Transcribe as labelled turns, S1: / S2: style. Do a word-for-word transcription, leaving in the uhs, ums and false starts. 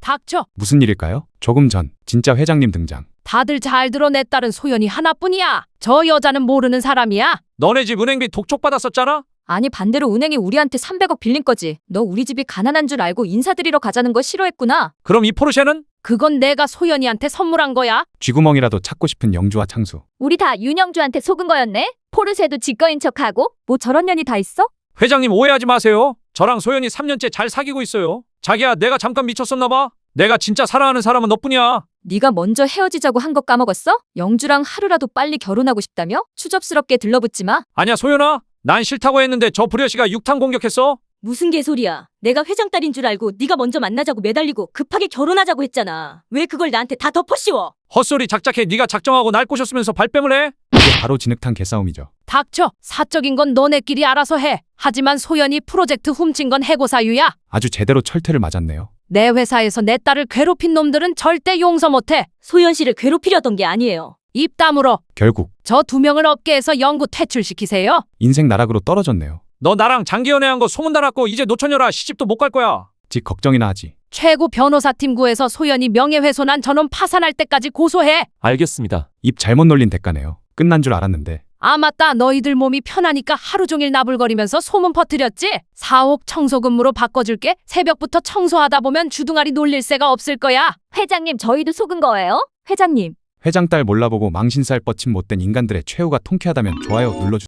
S1: 닥쳐.
S2: 무슨 일일까요? 조금 전 진짜 회장님 등장.
S1: 다들 잘 들어. 내 딸은 소연이 하나뿐이야. 저 여자는 모르는 사람이야.
S3: 너네 집 은행비 독촉 받았었잖아?
S4: 아니 반대로 은행이 우리한테 삼백억 빌린 거지. 너 우리 집이 가난한 줄 알고 인사드리러 가자는 거 싫어했구나.
S3: 그럼 이 포르쉐는?
S1: 그건 내가 소연이한테 선물한 거야.
S2: 쥐구멍이라도 찾고 싶은 영주와 창수.
S4: 우리 다 윤영주한테 속은 거였네. 포르쉐도 지꺼인 척하고. 뭐 저런 년이 다 있어?
S3: 회장님 오해하지 마세요. 저랑 소연이 삼 년째 잘 사귀고 있어요. 자기야, 내가 잠깐 미쳤었나 봐. 내가 진짜 사랑하는 사람은 너뿐이야.
S4: 네가 먼저 헤어지자고 한 거 까먹었어? 영주랑 하루라도 빨리 결혼하고 싶다며? 추접스럽게 들러붙지 마.
S3: 아니야, 소연아. 난 싫다고 했는데 저 불효씨가 육탄 공격했어.
S5: 무슨 개소리야. 내가 회장 딸인 줄 알고 네가 먼저 만나자고 매달리고 급하게 결혼하자고 했잖아. 왜 그걸 나한테 다 덮어씌워?
S3: 헛소리 작작해. 네가 작정하고 날 꼬셨으면서 발뺌을 해?
S2: 이게 바로 진흙탕 개싸움이죠.
S1: 닥쳐. 사적인 건 너네끼리 알아서 해. 하지만 소연이 프로젝트 훔친 건 해고 사유야.
S2: 아주 제대로 철퇴를 맞았네요.
S1: 내 회사에서 내 딸을 괴롭힌 놈들은 절대 용서 못해.
S5: 소연 씨를 괴롭히려던 게 아니에요.
S1: 입 다물어.
S2: 결국
S1: 저 두 명을 업계에서 영구 퇴출시키세요.
S2: 인생 나락으로 떨어졌네요.
S3: 너 나랑 장기 연애한 거 소문 다 났고 이제 노처녀라 시집도 못 갈 거야.
S2: 직 걱정이나 하지.
S1: 최고 변호사팀 구해서 소연이 명예훼손한 저놈 파산할 때까지 고소해.
S3: 알겠습니다.
S2: 입 잘못 놀린 대가네요. 끝난 줄 알았는데.
S1: 아 맞다. 너희들 몸이 편하니까 하루 종일 나불거리면서 소문 퍼뜨렸지? 사억 청소 근무로 바꿔줄게. 새벽부터 청소하다 보면 주둥아리 놀릴 새가 없을 거야.
S4: 회장님 저희도 속은 거예요? 회장님.
S2: 회장 딸 몰라보고 망신살 뻗친 못된 인간들의 최후가 통쾌하다면 좋아요 눌러주세요.